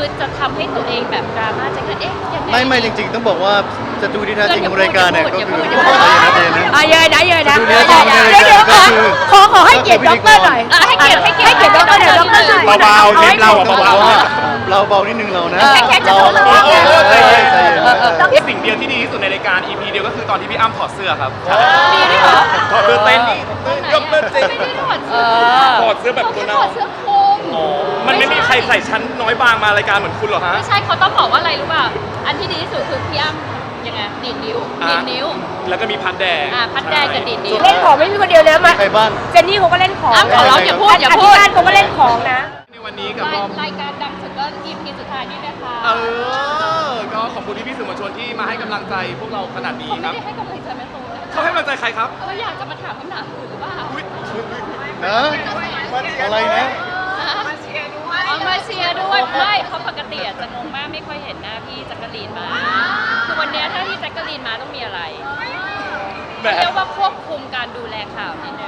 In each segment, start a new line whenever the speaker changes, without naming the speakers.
จะทำให้ตัวเองแบบดราม่าจะเอ๊ะยังไง
ไม่จริงๆต้องบอกว่าศัตรูที่แท้จริงของรายการเนี่ยก็คือ
อย่าพูด
เย็นนะเย็นนะ
เยอะนะเยอะนะ
เดี๋ยว
ขอให้เกียรติด็อกเตอร์หน่อย
ให้เกียรติด็อกเตอร์หน่อยด็อกเตอร์ช่วย
เบาๆเทปเรา
ต้องบอกว่าเราเบานิดนึงเรานะ
แค่จะ
เรา
บอกว่า
ใจเย็น
สิ่งเดียวที่ดีที่สุดในรายการ EP เดียวก็คือตอนที่พี่อ้ำถอดเสื้อครับ
มีด้วยเหรอ
ถอดเสื้อเต้นนี่ยกเต้นเต้น
ไม่ได้ถอดเสื้อ
ถอดเสื้อแบบตัว
ถ
เน่า
อดเสื้อคลุม
มันไม่มีใครใส่ชั้นน้อยบางมารายการเหมือนคุณหรอกฮะ
ไม่ใช่เขาต้องบอกว่าอะไรรู้ป่ะอันที่ดีที่สุดคือพี่อ้ำยังไงดีดนิ้วดีดนิ้ว
แล้วก็มีพัดแดง
พัดแดงกับดีดนิ้ว
เล่นของไม่มีคนเดียวเลยมา
ใครบ้าง
เจนนี่เขาก็เล่นของ
อ้ำขอร้องอย่าพูดอย่า
อ
พู
ธิ
ด
การเขาก็เล่นของนะ
ในวันนี้กับรอบ
รายการดังสุดก็ EP สุดท้ายนี่นะคะ
ก็ขอบคุณพี่ๆสื่อมวลชนที่มาให้กำลังใจพวกเราขนาดนี้
เขา
ค
ไม่
รับ
ได้ให้กำลังใจแม่ตูนนะ
เขาให้กำลังใจใครครับ
เขาอยากจะมาถามคำถามอื่นหรือเปล่า
นะอะไรนะ
มาเชียร์ด้วยไม่เพราะปกติจะงงมากไม่ค่อยเห็นหน้าพี่แจักรีนมาคือวันนี้ถ้าพี่แจักรีนมาต้องมีอะไร
แบบ
เรียกว่าควบคุมการดูแลข่าวนิดนึง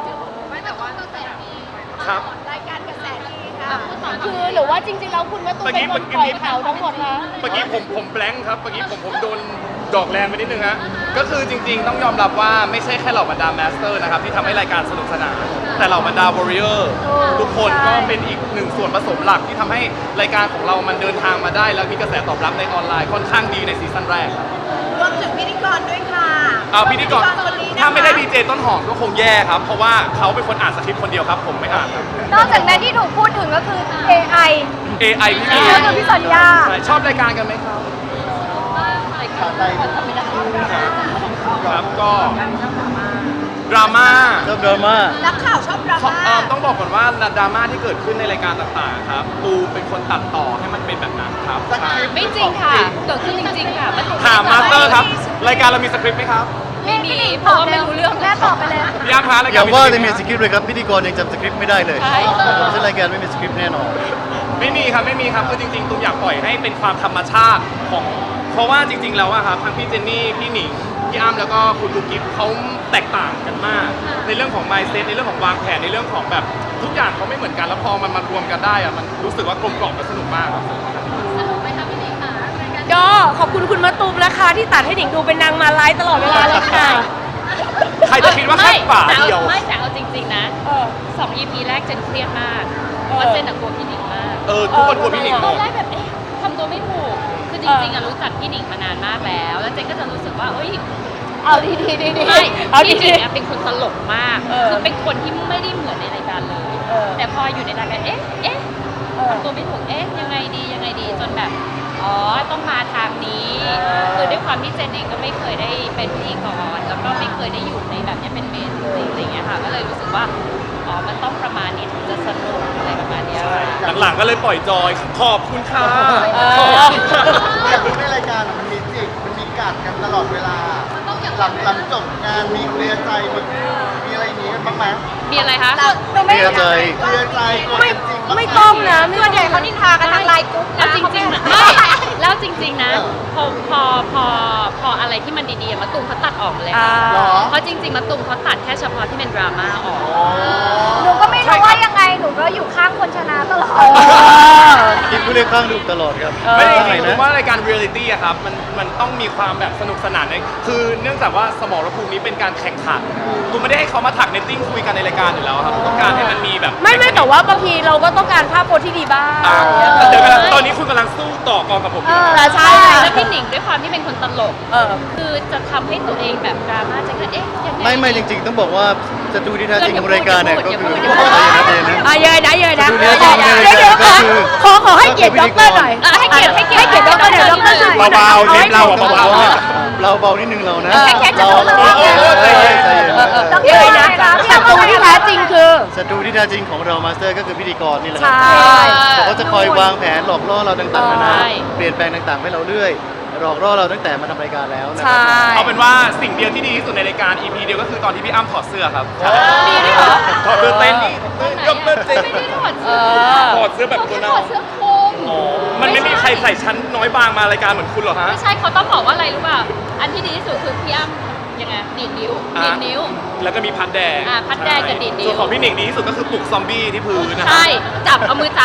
ครับ
พูดต่อ
คือหรือว่าจริงๆแล้วคุณแม่ตุ้มเป็นคนปล่อยข่าวทั้งหมดนะ
เมื่อกี้ผมแบงค์ครับ เมื่อกี้ผมโดนดอกแรงไปนิดนึงฮะ ก็คือจริงๆต้องยอมรับว่าไม่ใช่แค่เหล่าบรรดาแมสเตอร์นะครับที่ทำให้รายการสนุกสนาน แต่เหล่าบรรดาวอริเออร์ทุกคนก็เป็นอีกหนึ่งส่วนผสมหลักที่ทำให้รายการของเรามันเดินทางมาได้ แล้วมีกระแสตอบรับในออนไลน์ค่อนข้างดีในซีซั่นแรก
รวมถึงพิธีกรด้วยค่ะ
พิธีกร
คนนี้นะคะ
ถ้าไม่ได้ดีเจต้นหอมก็คงแย่ครับ เพราะว่าเขาเป็นคนอ่านสคริปต์คนเดียวครับ ผมไม่อ่านครับ
นอกจากนั้นที่ถูกพูดถึงก็คือ AI
AI พี่
ก็คือพี่สัญญา
ชอบรายการกันไหมครับ
รายการทำไม่ได้
ครับก็ดราม่า
ชอบดราม่า
นักข่าวชอบดราม่า
ต้องบอกก่อนว่าดราม่าที่เกิดขึ้นในรายการต่างๆครับปูเป็นคนตัดต่อให้มันเป็นแบบนั้นครับ
ไม่จริงค่ะเกิดขึ้นจริงๆค่ะมัน
ถามมาสเตอร์ครับ รายการเรามีสคริปต์ไหมครับ
ไม่มีเพราะว่าไม่รู้เรื่อง
แม่ตอบไปเลย
พี่อ้ำคะราย
อ
การ
ย่างว่าจะมี
ไห
สคริปต์เลยครับพิธีกรยังจำสคริปต์ไม่ได้เลย
ใช่
เช่นรายการไม่มีสคริปต์แน่นอน
ไม่มีครับไม่มีครับคือจริงๆตูมอยากปล่อยให้เป็นความธรรมชาติของเพราะว่าจริงๆแล้วอะครับทั้งพี่เจนนี่พี่หนิงพี่อ้ำแล้วก็คุณลูกกิ๊ฟเขาแตกต่างกันมาก ในเรื่องของ mindset ในเรื่องของวางแผนในเรื่องของแบบทุกอย่างเขาไม่เหมือนกันแล้วพอมันมารวมกันได้อะมันรู้สึกว่ากลมกล่อมและสนุกมากครับ
สนุกไหมคะพี่หนิงคะรายการ
ก็ขอบคุณคุณมะตูมนะคะที่ตัดให้หนิงดูเป็นนางมาไลฟ์ตลอดเวลาเลยค่ะ
ใครจะคิดว่าแค่ฝาเดียว
ไม่แต่เอาจริงๆนะ
เออ
2 EP แรกเจนเครียดมากเพราะว่าเจนกลัวพี่หนิงมาก
ทุกคนกลัวพี่หนิงห
ต
ม
อน
ด
แรกแบบทำตัวไม่ถูก คือจริงๆรู้จักพี่หนิงมานานมากแล้ว แล้วเจนก็จะรู้สึกว่าเอ้ย
เอาดี
ไม่
เอาดี
พี่หนิงอะเป็นคนตลกมาก
เออ
คือเป็นคนที่ไม่ได้เหมือนในรายการเลย
เออ
แต่พออยู่ในรายการทำตัวไม่ถูกยังไงดีจนแบบอ๋อต้องมาทางนี้ คือด้วยความที่เจนเองก็ไม่เคยได้เป็นพิธีกรแล้วก็ไม่เคยได้อยู่ในแบบนี้เป็นเมนจริงๆอะไรเงี้ยค่ะก็เลยรู้สึกว่าอ๋อมันต้องประมาณนี้ถึงจะสนุกอะไรประมาณเนี้ยค่ะ
หลังๆก็เลยปล่อยจอยขอบคุณค่ะ
อยากรู้ในรายการมันมีจิกมันมีกัดกันตลอดเวลา หลังจบงานมีเคลียร์ใจมีอะไรอย่างนี้กันบ้างไหม
มีอะไรคะ
หนูไม่
เคลียร์ใจ
เคลียร์ใจกด
ไม่
กันจริงบ้าง
ไม่ต้องนะส่วนใหญ่เขานินทากันทางไลน์กรุ๊ป
แล้ว
นะ
จริงๆไม่แล้วจริงๆนะพออะไรที่มันดีๆมะตูมเขาตัดออกเลยค่ะ
เหรอ
เพราะจริงๆมะตูมเขาตัดแค่เฉพาะที่เป็นดราม่าออก
หนูก็ไม่รู้ว่ายังไงหนูก็อยู่ข้างคนชนะตลอด
คิดผู้เล่นข้างดูตลอดครับ
ไม่ได้จ
ข้างไหน
ริงๆผม
นะ
ว่ารายการเรียลลิตี้อะครับมันต้องมีความแบบสนุกสนานในคือเนื่องจากว่าสมรภูมินี้เป็นการแข่งขันตูไม่ได้ให้เขามาถักเนตติ้งคุยกันในรายการอยู่แล้วครับต้องการให้มันมีแบบ
ไม่แต่ว่าบางทีเราก็ต้องการภาพโพสที่ดีบ้าง
เดี๋ยวกันตอนนี้คุณกำลังสู้ต่อกองกับผมอยู่นะ
แต่ใช่
แล้วพี่หนิงด้วยความที่เป็นคนตลก
เออ
คือจะทำให้ตัวเองแบบดราม่าจะยังไง
ไม่จริงๆต้องบอกว่าศัตรูที่แท้จริงของรายการเนี่ยก็คือ
อย่าพูด
ใจเย็นนะเย็นนะ
เยอะนะเยอะนะ
ดูเนี่ยจริงๆ
เดี๋ยว
ก็คือ
ขอให้เกียรติด็อกเตอร์หน่อย
ให้เกียรติ
ด็อกเตอร์หน่อยด็อกเตอร์หน่อย
เบาๆเทปเรา
ต้องบอก
เบา
ว่าเราเบานิดนึงเรานะ
แค่จะบอก
ใจเย็นใจเย็น
เยอะนะศัตรูที่แท้จริงคือ
ศัตรูที่แท้จริงของเรามาสเตอร์ก็คือพิธีกรนี่แหละครั
ใช่
เขาก็จะคอยวางแผนหลอกล่อเราต่างๆนานา
ใช่
เปลี่ยนแปลงต่างๆให้เราเรื่อยหลอกล่อเราตั้งแต่มาทำรายการแล้วนะค
ใช่
รับ
เอาเป็นว่าสิ่งเดียวที่ดีที่สุดในรายการ EP เดียวก็คือตอนที่พี่อ้ำถอดเสื้อครับ
มีด้วยเหรอ
ถอดเสื้อเต้นนี่ยกเต้นเต้น
ไม่ได้ถอดเสื้อ
ถอดเสื้อแบบตัว
ถ
เน่า
อดเสื้อคลุม
มันไม่มีใครใส่ชั้นน้อยบางมารายการเหมือนคุณหรอกฮะ
ไม่ใช่เขาต้องบอกว่าอะไรรู้ป่ะอันที่ดีที่สุดคือพี่อ้ำยังไงดีดนิ้ว
แล้วก็มีพัดแดง
พัดแดงกับดีดนิ้ว
ส่วนของพี่หนิงดีที่สุดก็คือปลุกซอมบี้ที่พื้นนะ
ใช่จับเอามือจับ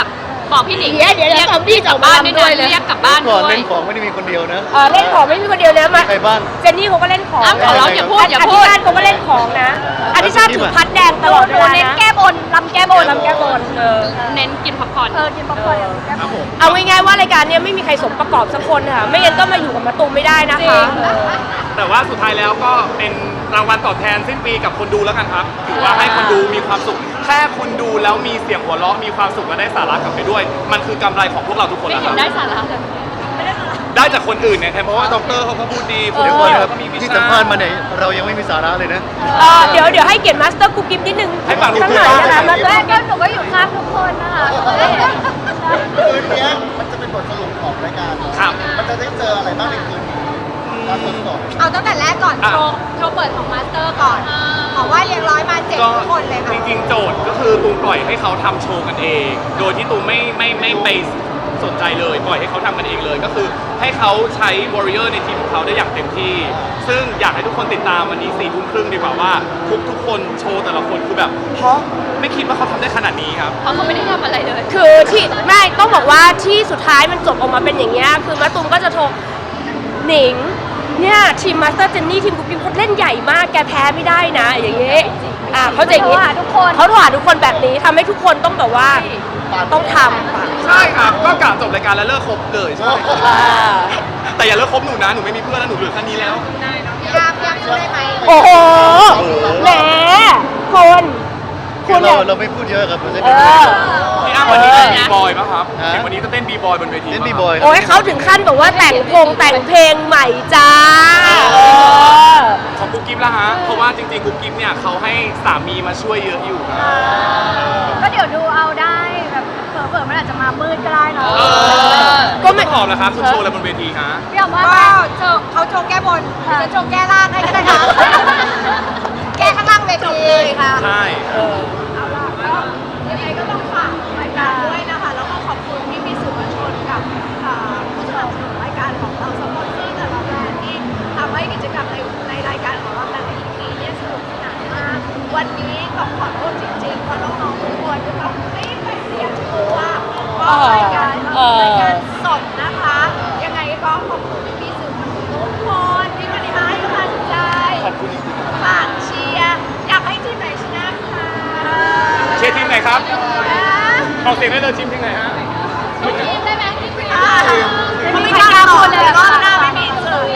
บอกพี่หนิง
เดี๋ยวซอมบี้จะออกมา
ด้วย
ด้วย
นะ
นะ
เรียกกลับบ้าน
ก่อน
ด้วย
เล่นของไม่ได้มีคนเดียวนะ
เล่นของไม่มีคนเดียวนะมา
ใครบ้าง
เจนนี่เขาก็เล่นของ
อ้าวขอร้องอย่าพูดอย่าพูด
ธิชาติเขาก็เล่นของนะอธิชาติถือพัดแดงตลอดเวลานะเน้นแก้บนลำแก้บน
เน้นกินพ็อปคอร์น
กินป๊อปคอร์น
ครับผม
เอาง่ายๆว่ารายการเนี้ยไม่มีใครสมประกอบสักคนค่ะ ไม่งั้นก็มาอยู่กับมะตูมไม่ได้นะคะ
แต่ว่าสุดท้ายแล้วก็เป็นรางวัลตอบแทนสิ้นปีกับคนดูแล้วกันครับถือว่าให้คนดูมีความสุขแค่คุณดูแล้วมีเสียงหัวเราะมีความสุขและได้สาระกลับไปด้วย มันคือกำไรของพวกเราทุกคน
ไม่
แล้วค
เห็น
รับ
ได้สาระเลย
ได้จากคนอื่นเนี่ยเพราะว่าด็อกเตอร์เขาก็พูดดีคุณ
เดี๋ยว
เดี๋
ก่อน
ยว
ครับ
ก็มีวิ
ที่
ชา
สัมภาษณ์มาเนี่ยเรายังไม่มีสาระเลยนะ
เดี๋ยวให้เกียรติมาสเตอร์กุ๊กกิ๊บนิดนึง
ให้ฟังลูก
สัก
คื
ห
อ
น่อยนะคะ
ฟั
มาง สเตอร์ก็หนูก็อยู่ข้างทุกคนนะคะ
คืนนี้มันจะเป็นบทสรุปของรายการเนอะ
ครับ
มันจะได้เจออะไรบ้างในคืนนี้ตอนสด
เอาตั้งแต่แรกก่อน
อ่ะ
โชว์เปิดของมาสเตอร์ก่อน ของว่าเรียงร้อยมา7
ก็
ทุกคนเลยค่ะ
จริงๆโจทย์ก็คือตูมปล่อยให้เขาทำโชว์กันเอง โดยที่ตูมไม่ไปสนใจเลยปล่อยให้เขาทำกันเองเลย ก็คือให้เขาใช้วอริเออร์ในทีมของเขาได้อย่างเต็มที่ ซึ่งอยากให้ทุกคนติดตามวันนี้4 ทุ่มครึ่งดีกว่าว่าทุกคนโชว์แต่ละคนคือแบบเพราะไม่คิดว่าเขาทำได้ขนาดนี้ครับ
เพราะเขาไม่ได้ทำอะไรเลย
คือที่ไม่ต้องบอกว่าที่สุดท้ายมันจบออกมาเป็นอย่างเงี้ยคือมะตูมก็จะโทรหนิงเนี่ยทีมมาสเตอร์เจนนี่ทีมกุ๊กกิ๊บเขาเล่นใหญ่มากแกแพ้ไม่ได้นะ อย่างเงี้ยเขาจะอย่างงี้เขาโทรหาทุกคนแบบนี้ทำให้ทุกคนต้องแบบว่าต้องทำ
ใช่ครับก็กะจบรายการแล้วเลิกคบเลยใช่แต่อย่าเลิกคบหนูนะหนูไม่มีเพื่อนแล้วหนูเหลือแค่นี้แล้ว
ยามช่วยไหม
โอ้โหแหมคุณ
คือเราไม่พูดเยอะครับเราจะ
เอ
ได้
อ
พี่อ้ำวันนี้เต้นบีบอยป่ะครับ
ฮะ
เห็นวันนี้ก็เต้นบีบอยบนเวที
เล่น
ป่ะ
บี
ครับ
บอย
โอ้ยเขาถึงขั้นแบบว่าแต่งเพลงใหม่จ้า
ของกุ๊กกิ๊บละฮะเพราะว่าจริงๆกุ๊กกิ๊บเนี่ยเขาให้สามีมาช่วยเยอะอยู่ครับ
ก็เดี๋ยวดูเอาได้แบบเผลอๆมันอาจจะมามืดก็ได้เนาะ
ก็
ก็
ไม่
ไม่หอมนะครับคุณโชว์อะไรบนเวทีฮะ
พี่ออกว่าเขาโชว์แก้บนจะโชว์แก้ล่างให้ก็ได้ค่ะ แก้ข้างล่างเวทีค่ะ
ใช่
เอาล่ะก็ยังไงก็ต้องฝากรายการด้วยนะคะ แล้วก็ขอบคุณที่มีสื่อมวลชนกับผู้สนับสนุนรายการของเราสปอนเซอร์แต่ละแบรนด์ที่ทำให้กิจกรรมในรายการของเราแต่ละ EP เนี่ยสนุกสนานมาก วันนี้ต้องขอโทษจริงๆเพราะน้องๆทุกคนจะต้องรีบไปเตรียมตัวเพราะรายการสดนะคะ ยังไงก็ขอบคุณพี่ๆสื่อมวลชนทุกคนที่มาให้กำลังใจ
ขอบคุณจริง
ฝากเชียร์อยากให้ทีมไหนชนะค่ะ
ๆเชียร์ทีมไหนครับออกเสียงได้เลยทีมไหนฮะ
ทีมได้ไหมทีมเขาไม่กล้าคนเลยรอบหน้าไม่มีสื่อ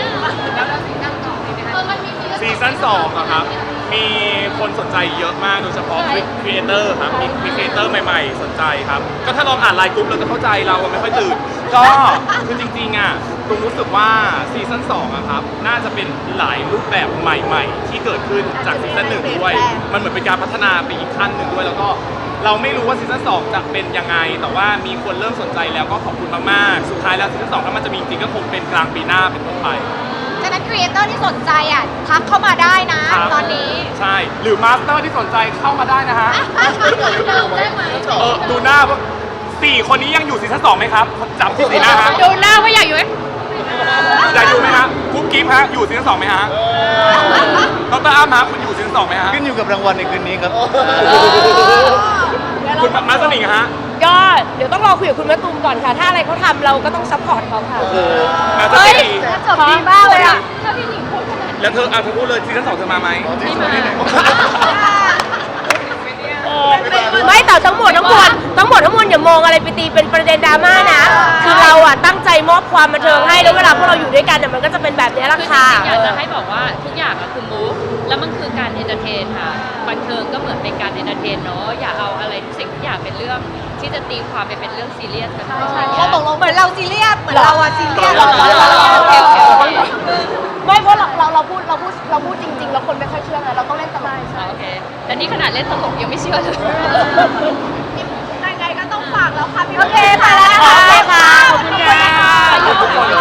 ซีซั่น2อะครับ มีคนสนใจเยอะมากโดยเฉพาะครีเอเตอร์ครับ มีครีเอเตอร์ใหม่ๆ สนใจครับ ก็ถ้าลองอ่านไลน์กรุ๊ปเราจะเข้าใจเราไม่ค่อยตื่น ก็คือจริงๆอะตุงรู้สึกว่าซีซั่น2อะครับ น่าจะเป็นหลายรูปแบบใหม่ๆ ที่เกิดขึ้นจากซีซั่น1ด้วย มันเหมือนเป็นการพัฒนาไปอีกขั้นหนึ่งด้วย แล้วก็เราไม่รู้ว่าซีซั่น2จะเป็นยังไง แต่ว่ามีคนเริ่มสนใจแล้วก็ขอบคุณมากๆ สุดท้ายแล้วซีซั่น2ถ้ามันจะมีจริงก็คงเป็นกลางปีหน้าเป็นต้นไป
ฉะนั้นครีเอเตอร์ที่สนใจอ่ะทักเข้ามาได้นะ
ครับ
ตอนนี้
ใช่ หรือมาสเตอร์ที่สนใจเข้ามาได้นะฮะ ดูหน้าว่า4 คนนี้ยังอยู่ซีซั่น2ไหมครับจับที่สีหน้าฮะ
ดูหน้าว่าอยากอยู่ไหม
อยากอยู่ไหมฮะกุ๊กกิ๊บฮะ อยู่ซีซั่น2ไหมฮะดรอ้ำฮะคุณอยู่ซีซั่น2ไหมฮะ
ขึ้นอยู่กับรางวัลในคืนนี้ครับ
คุณมาสนิงฮะ
ก็เดี๋ยวต้องรอคุยกับคุณมะตูมก่อนค่ะ ถ้าอะไรเขาทำเราก็ต้องซัพพอร์ตเขาค่ะ
มาส
เฮ้
นิ
ย
ง
จบดีมากเลยอ่ะ
แล้วเธอเธอพูดเลยซีซั่น2เธอมาไหม
ไม่แต่ทั้งหมดทั้งมวลอย่ามองอะไรไปตีเป็นประเด็นดราม่านะ คือเราอ่ะตั้งใจมอบความบันเทิงให้แล้วเวลาพวกเราอยู่ด้วยกันเนี่ยมันก็จะเป็นแบบนี้แหละ
คือจ
ค่ะ
ริงๆอยากจะให้บอกว่าทุกอย่างอะคือมูฟแล้วมันคือการเอนเตอร์เทนค่ะบันเทิงก็เหมือนเป็นการเอนเตอร์เทนเนาะอย่าเอาอะไรทุกสิ่งทุกอย่างเป็นเรื่องที่จะตีความไปเป็นเรื่องซีเรียสกัน
เขาตกลงเหมือนเราซีเรียสเหมือนเราอะซีเรียส
โอเคโอเคโอเค
ไม่เพราะเราพูดจริงๆแล้วคนไม่ค่อยเชื่อไงเราต้องเล่นตลก
โอเคแต่นี่ขนาดเล่นตลกยังไม่เชื่อเลย
ยังไงก็ต้องฝากแล้วค่ะพี่
โอเคค่ะ
โอเคค่ะ
ขอบคุณค่ะ